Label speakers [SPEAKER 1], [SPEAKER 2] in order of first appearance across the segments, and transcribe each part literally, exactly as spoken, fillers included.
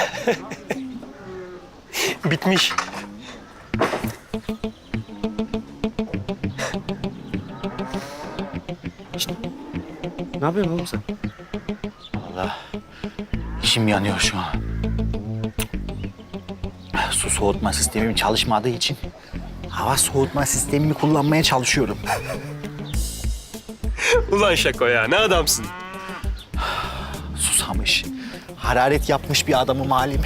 [SPEAKER 1] Bitmiş.
[SPEAKER 2] Ne yapıyorsun oğlum sen?
[SPEAKER 3] Vallahi içim yanıyor şu an. Su soğutma sistemim çalışmadığı için hava soğutma sistemimi kullanmaya çalışıyorum.
[SPEAKER 1] Ulan Şako ya, ne adamsın?
[SPEAKER 3] Susamış, hararet yapmış bir adamım halim.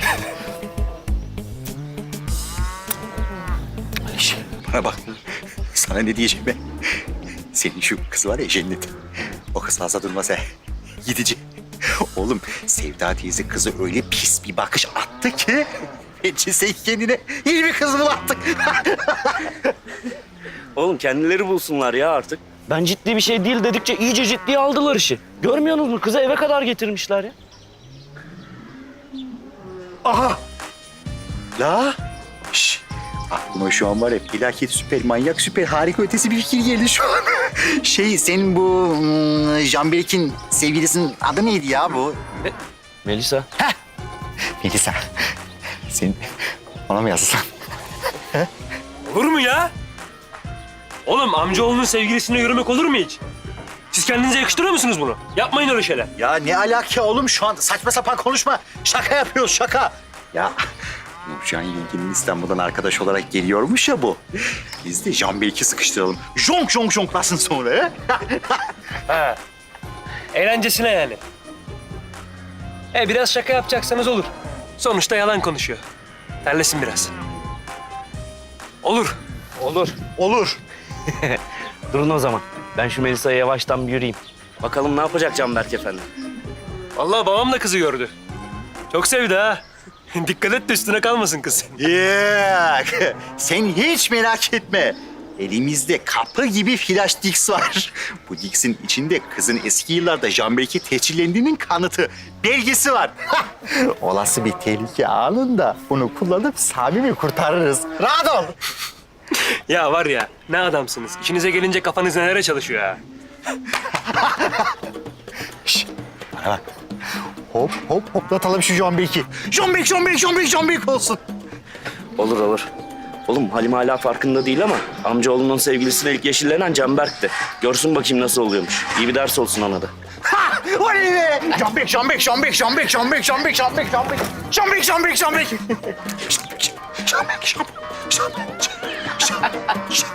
[SPEAKER 3] Ayşe, bana bak. Sana ne diyeceğim ben? Senin şu kız var ya Cennet. O kız fazla durmaz he. Gidici. Oğlum Sevda teyze kızı öyle pis bir bakış attı ki... Bence sen kendine iyi bir kız bul artık.
[SPEAKER 2] Oğlum kendileri bulsunlar ya artık. Ben ciddi bir şey değil dedikçe iyice ciddiye aldılar işi. Görmüyorsunuz mu? Kızı eve kadar getirmişler ya.
[SPEAKER 3] Aha! La! Şş! Aklıma şu an var ya felaket süper, manyak süper, harika ötesi bir fikir geldi şu an. Şey, senin bu hmm, Canberk'in sevgilisinin adı neydi ya bu?
[SPEAKER 2] Melisa.
[SPEAKER 3] Heh! Melisa. Sen ona mı yazsan?
[SPEAKER 1] Olur mu ya? Oğlum amcaoğlunun sevgilisine yürümek olur mu hiç? Siz kendinize yakıştırıyor musunuz bunu? Yapmayın öyle şeyler.
[SPEAKER 3] Ya ne alaka oğlum şu an saçma sapan konuşma. Şaka yapıyoruz şaka. Ya Nurcan yengenin İstanbul'dan arkadaş olarak geliyormuş ya bu. Biz de Canberk'i sıkıştıralım. Jonk jonk jonklasın sonra he?
[SPEAKER 1] Ha. Eğlencesine yani. E biraz şaka yapacaksanız olur. Sonuçta yalan konuşuyor. Terlesin biraz. Olur.
[SPEAKER 2] Olur.
[SPEAKER 3] Olur.
[SPEAKER 2] Durun o zaman. Ben şu Melisa'ya yavaştan bir yürüyeyim. Bakalım ne yapacak Canberk Efendi?
[SPEAKER 1] Vallahi babam da kızı gördü. Çok sevdi ha. Dikkat et de üstüne kalmasın kız.
[SPEAKER 3] Yok. Sen hiç merak etme. Elimizde kapı gibi flash Dix var. Bu Dix'in içinde kızın eski yıllarda Canberk'e tehcirlendiğinin kanıtı, belgesi var. Olası bir tehlike anında bunu kullanıp Sami'mi kurtarırız. Rahat ol.
[SPEAKER 1] Ya var ya, ne adamsınız. İşinize gelince kafanız nelere çalışıyor ha.
[SPEAKER 3] Şişt, bana bak. Hop hop hoplatalım şu Canberk'i. Canberk, Canberk, Canberk, Canberk olsun.
[SPEAKER 2] Olur olur. Oğlum Halim hala farkında değil ama amcaoğlunun sevgilisine ilk yeşillenen Canberk'ti. Görsün bakayım nasıl oluyormuş. İyi bir ders olsun ona da.
[SPEAKER 3] Ha! Oley be! Canberk, Canberk, Canberk, Canberk, Canberk, Canberk, Canberk, Canberk. Canberk, Canberk, Canberk. Canberk, Canberk, Canberk, Canberk.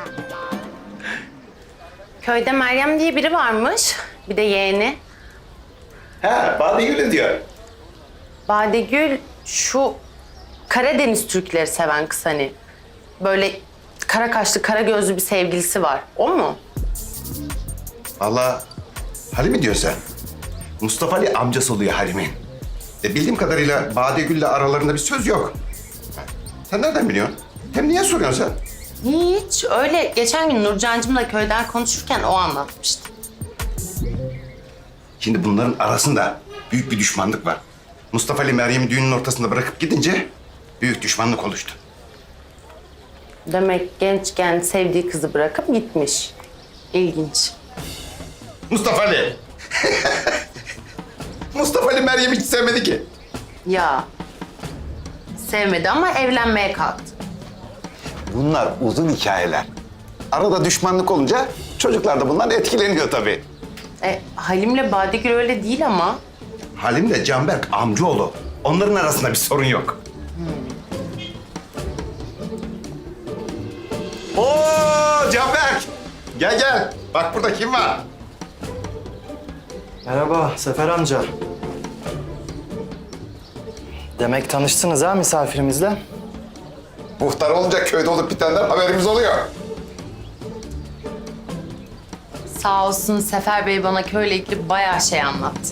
[SPEAKER 4] Köyde Meryem diye biri varmış. Bir de yeğeni.
[SPEAKER 5] Ha, Badegül'ü diyor.
[SPEAKER 4] Badegül şu Karadeniz Türkleri seven kız hani. Böyle kara kaşlı, kara gözlü bir sevgilisi var. O mu?
[SPEAKER 5] Vallahi Halim'i diyor sen. Mustafa Ali amcası oluyor Halim'in. E, bildiğim kadarıyla Badegül'le aralarında bir söz yok. Sen nereden biliyorsun? Hem niye soruyorsun sen?
[SPEAKER 4] Hiç. Öyle geçen gün Nurcancığımla köyden konuşurken o anlatmıştı.
[SPEAKER 5] Şimdi bunların arasında büyük bir düşmanlık var. Mustafa Ali Meryem'i düğünün ortasında bırakıp gidince büyük düşmanlık oluştu.
[SPEAKER 4] Demek gençken sevdiği kızı bırakıp gitmiş. İlginç.
[SPEAKER 5] Mustafa Ali! Mustafa Ali Meryem'i hiç sevmedi ki.
[SPEAKER 4] Ya. Sevmedi ama evlenmeye kalktı.
[SPEAKER 5] Bunlar uzun hikayeler. Arada düşmanlık olunca çocuklar da bundan etkileniyor tabii.
[SPEAKER 4] E, Halim'le Badegül öyle değil ama.
[SPEAKER 5] Halim de Canberk amcaoğlu. Onların arasında bir sorun yok. Oo Canberk! Gel gel. Bak burada kim var?
[SPEAKER 6] Merhaba Sefer amca. Demek tanıştınız ha misafirimizle?
[SPEAKER 5] Muhtar olunca köyde olup bitenden haberimiz oluyor.
[SPEAKER 4] Sağ olsun Sefer Bey bana köyle ilgili bayağı şey anlattı.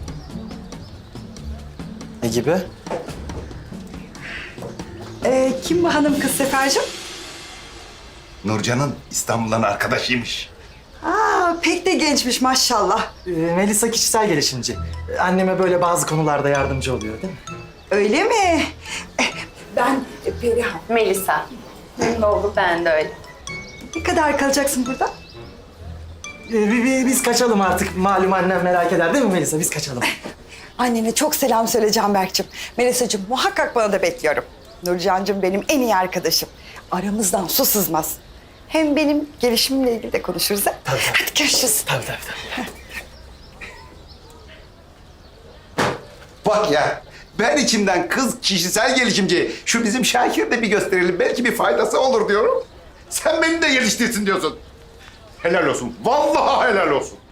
[SPEAKER 6] Ne gibi?
[SPEAKER 7] Ee, kim bu hanım kız Sefer'cim?
[SPEAKER 5] Nurcan'ın İstanbul'dan arkadaşıymış.
[SPEAKER 7] Aa, pek de gençmiş maşallah.
[SPEAKER 6] Ee, Melisa kişisel gelişimci. Ee, Anneme böyle bazı konularda yardımcı oluyor değil mi?
[SPEAKER 7] Öyle mi? Eh, Ben Perihan.
[SPEAKER 4] Melisa. Memnun oldum. Ben de öyle.
[SPEAKER 7] Ne kadar kalacaksın burada?
[SPEAKER 6] Ee, bi- bi- biz kaçalım artık. Malum annem merak eder değil mi Melisa? Biz kaçalım.
[SPEAKER 7] Annene çok selam söyle Canberk'cim. Melisa'cığım muhakkak bana da bekliyorum. Nurcan'cığım benim en iyi arkadaşım. Aramızdan su sızmaz. Hem benim gelişimimle ilgili de konuşuruz ha.
[SPEAKER 6] Tabii, tabii.
[SPEAKER 7] Hadi görüşürüz.
[SPEAKER 6] Tabii tabii tabii.
[SPEAKER 5] Bak ya, ben içimden kız kişisel gelişimci, şu bizim Şakir'i de bir gösterelim, belki bir faydası olur diyorum. Sen beni de geliştirsin diyorsun. Helal olsun, vallahi helal olsun.